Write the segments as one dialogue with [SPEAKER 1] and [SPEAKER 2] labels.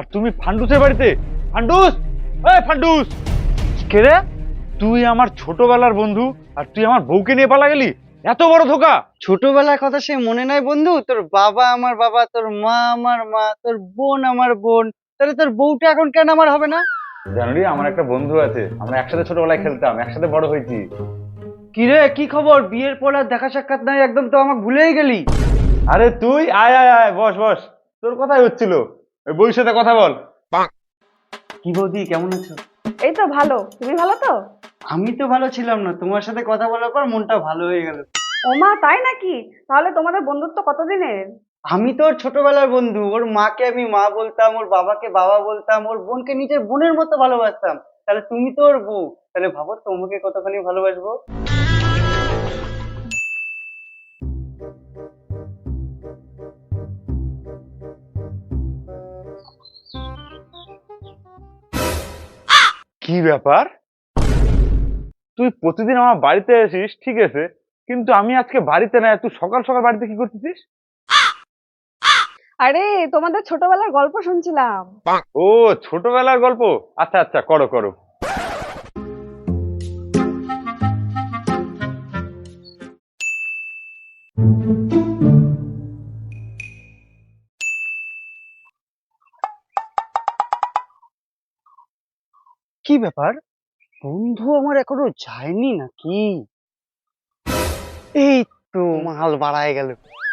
[SPEAKER 1] তুমি ফান্ডুসের বাড়িতে? ফান্ডুস, এই ফান্ডুস! কে রে? তুই আমার ছোটবেলার বন্ধু আর তুই আমার বউকে নিয়ে পালা গেলি? এত বড় ধোকা!
[SPEAKER 2] ছোটবেলার কথা সে মনে নাই বন্ধু? তোর বাবা আমার বাবা, তোর মা আমার মা, তোর বোন আমার বোন, তাহলে তোর বউটা এখন কেন আমার হবে না?
[SPEAKER 1] জানুরি, আমার একটা বন্ধু আছে, আমরা একসাথে ছোটবেলায় খেলতাম, একসাথে বড় হয়েছি।
[SPEAKER 2] কি রে, কি খবর? বিয়ের পর আর দেখা সাক্ষাৎ নাই, একদম তো আমাকে ভুলেই গেলি।
[SPEAKER 1] আরে তুই আয় আয় আয়, বস বস। তোর কথাই হচ্ছিল, ওই বউর সাথে কথা বল।
[SPEAKER 2] কি বৌদি, কেমন আছো?
[SPEAKER 3] এই তো ভালো, তুমি ভালো তো?
[SPEAKER 2] আমি তো ভালো ছিলাম না, তোমার সাথে কথা বলার পর মনটা ভালো হয়ে গেল।
[SPEAKER 3] ওমা তাই নাকি? তাহলে তোমাদের বন্ধুত্ব কতদিনের?
[SPEAKER 2] আমি তো ওর ছোটবেলার বন্ধু, ওর মাকে আমি মা বলতাম, ওর বাবাকে বাবা বলতাম, ওর বোনকে নিজের বোনের মতো ভালোবাসতাম। তাহলে তুমি তো ওর বউ, তাহলে ভাবো তোমাকে কতখানি ভালোবাসবো।
[SPEAKER 1] কি ব্যাপার? তুই প্রতিদিন আমার বাড়িতে আসিস, ঠিক আছে, কিন্তু আমি আজকে বাড়িতে নাই, তুই সকাল সকাল বাড়িতে কি করতেছিস?
[SPEAKER 3] আরে তোমাদের ছোটবেলার গল্প শুনছিলাম।
[SPEAKER 1] ও, ছোটবেলার গল্প। আচ্ছা আচ্ছা, করো করো।
[SPEAKER 2] কি ব্যাপার, বন্ধু আমার এখনো যায়নি নাকি? এই তো মাল বাড়ায় গেল।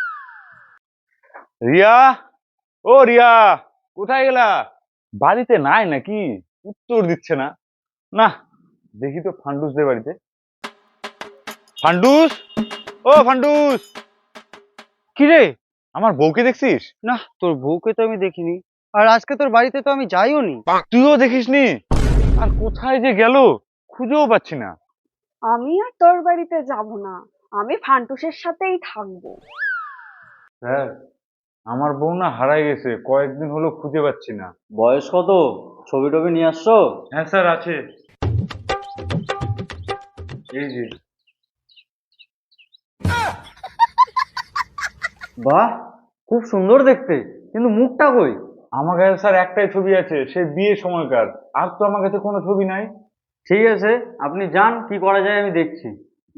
[SPEAKER 1] রিয়া, ও রিয়া, কোথায় গেলা? বাড়িতে নাই নাকি? উত্তর দিচ্ছে না। না, দেখি তো ফান্ডুসদের বাড়িতে। ফান্ডুস, ও ফান্ডুস! কি রে, আমার বউকে দেখছিস?
[SPEAKER 2] না, তোর বউকে তো আমি দেখিনি, আর আজকে তোর বাড়িতে তো আমি যাইও নি।
[SPEAKER 1] তুইও দেখিসনি? আর কোথায় যে গেল, খুঁজেও পাচ্ছি না।
[SPEAKER 3] আমি আর তোর বাড়িতে যাব না, আমি ফান্টুসের সাথেই থাকবো।
[SPEAKER 1] স্যার, আমার বউ না হারাই গেছে, কয়েকদিন হলো খুঁজে পাচ্ছি না।
[SPEAKER 2] বয়স কত? ছবি টবি নিয়ে আসছো?
[SPEAKER 1] হ্যাঁ স্যার, আছে, এই যে।
[SPEAKER 2] বাহ, খুব সুন্দর দেখতে, কিন্তু মুখটা কই?
[SPEAKER 1] আমার কাছে স্যার একটাই ছবি আছে, সে বিয়ের সময়কার। আর তো আমার কাছে কোনো ছবি নাই।
[SPEAKER 2] ঠিক আছে, আপনি যান, কি করা যায় আমি দেখছি।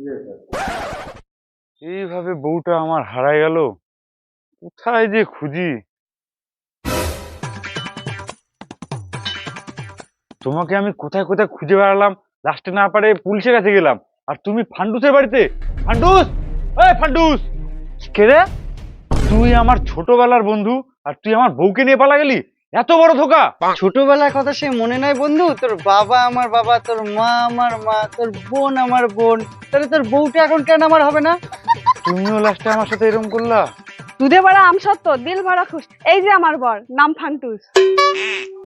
[SPEAKER 1] এইভাবে বউটা আমার হারাই গেল, কোথায় যে খুঁজি। তোমাকে আমি কোথায় কোথায় খুঁজে বেড়ালাম, লাস্টে না পারে পুলিশের কাছে গেলাম। আর তুমি ফান্ডুসের বাড়িতে? ফান্ডুস, এই ফান্ডুস! কে রে? তুই আমার ছোটবেলার বন্ধু আর তুই আমার বউকে নিয়ে পালা গেলি? এত বড় ধোকা!
[SPEAKER 2] ছোটবেলার কথা সে মনে নাই বন্ধু? তোর বাবা আমার বাবা, তোর মা আমার মা, তোর বোন আমার বোন, তাহলে তোর বউটা এখন কেন আমার হবে না?
[SPEAKER 1] তুমিও লাস্টে আমার সাথে এরকম করলা?
[SPEAKER 3] দুধে ভরা আমসত্ত্ব, দিল ভরা খুশ। এই যে আমার বর, নাম ফান্টুস।